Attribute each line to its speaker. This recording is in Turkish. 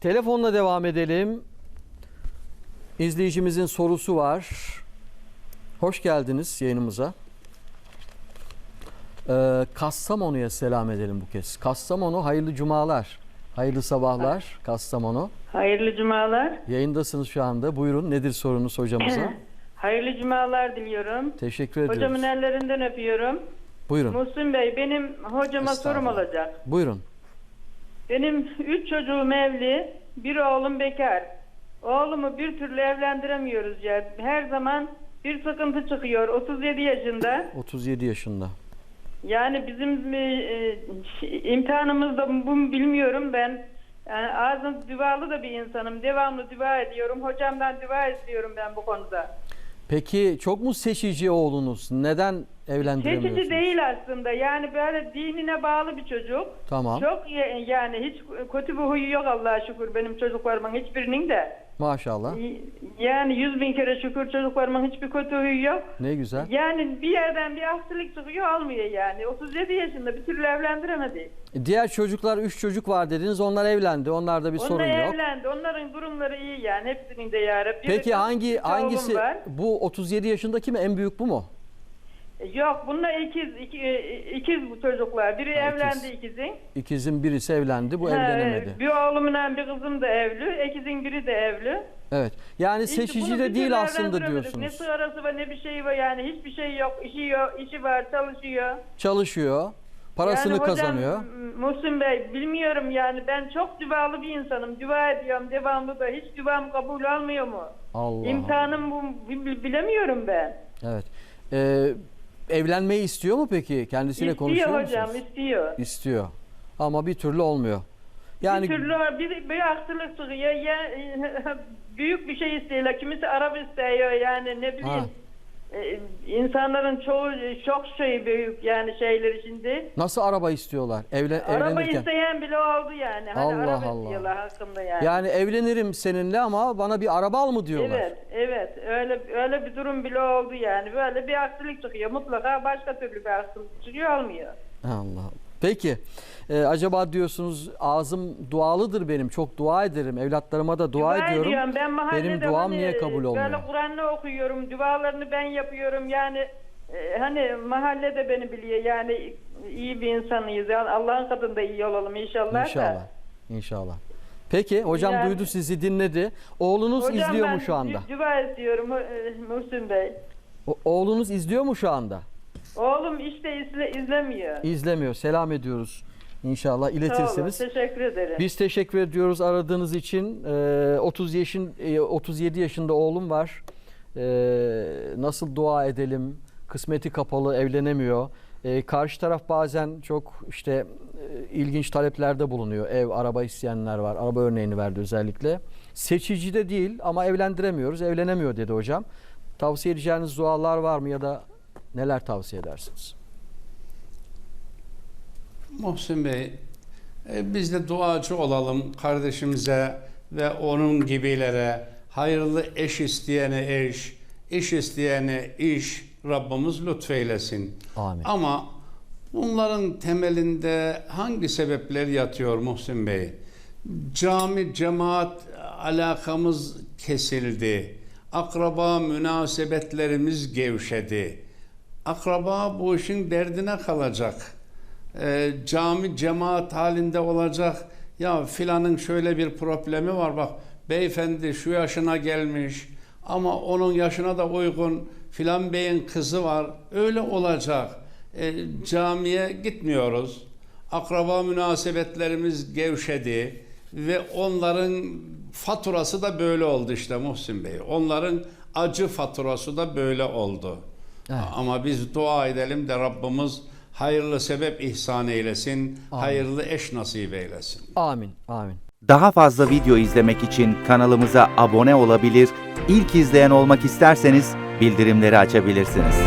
Speaker 1: Telefonla devam edelim. İzleyicimizin sorusu var. Hoş geldiniz yayınımıza. Kastamonu'ya selam edelim bu kez. Kastamonu, hayırlı cumalar. Hayırlı sabahlar Kastamonu.
Speaker 2: Hayırlı cumalar.
Speaker 1: Yayındasınız şu anda. Buyurun, nedir sorunuz hocamıza?
Speaker 2: Hayırlı cumalar diliyorum.
Speaker 1: Teşekkür ediyoruz.
Speaker 2: Hocamın ellerinden öpüyorum.
Speaker 1: Buyurun.
Speaker 2: Muhsin Bey, benim hocama sorum olacak.
Speaker 1: Buyurun.
Speaker 2: Benim 3 çocuğum evli, bir oğlum bekar. Oğlumu bir türlü evlendiremiyoruz ya. Her zaman bir sıkıntı çıkıyor. 37 yaşında.
Speaker 1: 37 yaşında.
Speaker 2: Yani bizim imtihanımız da bu bilmiyorum ben. Yani ağzım dualı da bir insanım. Devamlı dua ediyorum. Hocamdan dua istiyorum ben bu konuda.
Speaker 1: Peki çok mu seçici oğlunuz? Neden evlendiremiyorsunuz?
Speaker 2: Seçici değil aslında. Yani böyle dinine bağlı bir çocuk.
Speaker 1: Tamam.
Speaker 2: Çok yani hiç kötü bir huyu yok Allah'a şükür benim çocuklarımın hiçbirinin de.
Speaker 1: Maşallah.
Speaker 2: Yani 100.000 kere şükür çocuklarımın hiçbir kötü huyu yok.
Speaker 1: Ne güzel.
Speaker 2: Yani bir yerden bir aksilik çıkıyor olmuyor yani. 37 yaşında bir türlü evlendiremedi.
Speaker 1: Diğer çocuklar 3 çocuk var dediniz. Onlar evlendi. Onlarda bir sorun
Speaker 2: Onlar
Speaker 1: yok.
Speaker 2: evlendi. Onların durumları iyi yani. Hepsinin de yarabbi.
Speaker 1: Peki hangisi
Speaker 2: var.
Speaker 1: bu 37 yaşındaki mi, en büyük bu mu?
Speaker 2: Yok bunlar ikiz bu çocuklar. Biri evlendi ikizin.
Speaker 1: İkizin birisi evlendi, bu evlenemedi.
Speaker 2: Bir oğlumla bir kızım da evli. İkizin biri de evli.
Speaker 1: Evet. Yani
Speaker 2: İşte
Speaker 1: seçici
Speaker 2: bunu
Speaker 1: de
Speaker 2: bir
Speaker 1: değil
Speaker 2: türlü
Speaker 1: aslında
Speaker 2: evlendiremedik.
Speaker 1: diyorsunuz.
Speaker 2: Ne sigarası var ne bir şey var yani hiçbir şey yok. İşi yok, işi var, çalışıyor.
Speaker 1: Çalışıyor, parasını
Speaker 2: yani hocam,
Speaker 1: kazanıyor.
Speaker 2: Muhsin Bey bilmiyorum yani ben çok dualı bir insanım. Dua ediyorum devamlı da hiç duam kabul olmuyor mu?
Speaker 1: Allah.
Speaker 2: İmtihanım bu bilemiyorum ben.
Speaker 1: Evet. Evlenmeyi istiyor mu peki? Kendisiyle konuşuyor musunuz?
Speaker 2: İstiyor hocam, istiyor.
Speaker 1: İstiyor. Ama bir türlü olmuyor. Yani
Speaker 2: Bir türlü bir aksilik çıkıyor. Ya, büyük bir şey istiyorlar. Kimisi araba istiyor yani ne bileyim. İnsanların çoğu çok şey büyük yani şeyleri şimdi.
Speaker 1: nasıl araba istiyorlar?
Speaker 2: Araba
Speaker 1: Evlenirken.
Speaker 2: isteyen bile oldu yani. Hani
Speaker 1: Allah
Speaker 2: araba
Speaker 1: Allah.
Speaker 2: istiyorlar hakkında yani.
Speaker 1: Yani evlenirim seninle ama bana bir araba al mı diyorlar.
Speaker 2: Evet. Öyle bir durum bile oldu yani. Böyle bir aksilik çıkıyor. Mutlaka başka türlü bir aksilik çıkıyor olmuyor.
Speaker 1: Allah. Peki acaba diyorsunuz ağzım dualıdır benim. Çok dua ederim. Evlatlarıma da dua ediyorum.
Speaker 2: Ediyorum. Ben mahallede
Speaker 1: benim duam niye kabul olmuyor?
Speaker 2: Böyle Kur'an'ı okuyorum. Dualarını ben yapıyorum. Yani hani mahallede beni biliyor. Yani iyi bir insanıyız. Yani Allah'ın katında iyi olalım inşallah.
Speaker 1: İnşallah. İnşallah. Peki hocam
Speaker 2: Yani,
Speaker 1: duydu, sizi dinledi. Oğlunuz
Speaker 2: hocam,
Speaker 1: izliyor mu şu anda?
Speaker 2: Dua ediyorum Muhsin Bey.
Speaker 1: Oğlunuz izliyor mu şu anda?
Speaker 2: Oğlum işte izlemiyor.
Speaker 1: İzlemiyor. Selam ediyoruz. İnşallah iletirsiniz.
Speaker 2: Sağ olun, teşekkür ederim.
Speaker 1: Biz teşekkür ediyoruz aradığınız için. 37 yaşında oğlum var. Nasıl dua edelim? Kısmeti kapalı, evlenemiyor. Karşı taraf bazen çok ilginç taleplerde bulunuyor. Ev, araba isteyenler var. Araba örneğini verdi özellikle. Seçici de değil ama evlendiremiyoruz. Evlenemiyor dedi hocam. Tavsiye edeceğiniz dualar var mı ya da neler tavsiye edersiniz?
Speaker 3: Muhsin Bey, biz de duacı olalım kardeşimize ve onun gibilere. Hayırlı eş isteyene eş, iş isteyene iş Rabbimiz lütfeylesin.
Speaker 1: Amin.
Speaker 3: Ama bunların temelinde hangi sebepler yatıyor Muhsin Bey? Cami, cemaat alakamız kesildi. Akraba münasebetlerimiz gevşedi. Akraba bu işin derdine kalacak. Cami cemaat halinde olacak. Ya filanın şöyle bir problemi var, bak beyefendi şu yaşına gelmiş ama onun yaşına da uygun filan beyin kızı var. Öyle olacak. Camiye gitmiyoruz. Akraba münasebetlerimiz gevşedi ve onların faturası da böyle oldu işte Muhsin Bey. Onların acı faturası da böyle oldu.
Speaker 1: Evet.
Speaker 3: Ama biz dua edelim de Rabbimiz hayırlı sebep ihsan eylesin,
Speaker 1: Amin.
Speaker 3: hayırlı eş nasip eylesin.
Speaker 1: Amin. Amin.
Speaker 4: Daha fazla video izlemek için kanalımıza abone olabilir, ilk izleyen olmak isterseniz bildirimleri açabilirsiniz.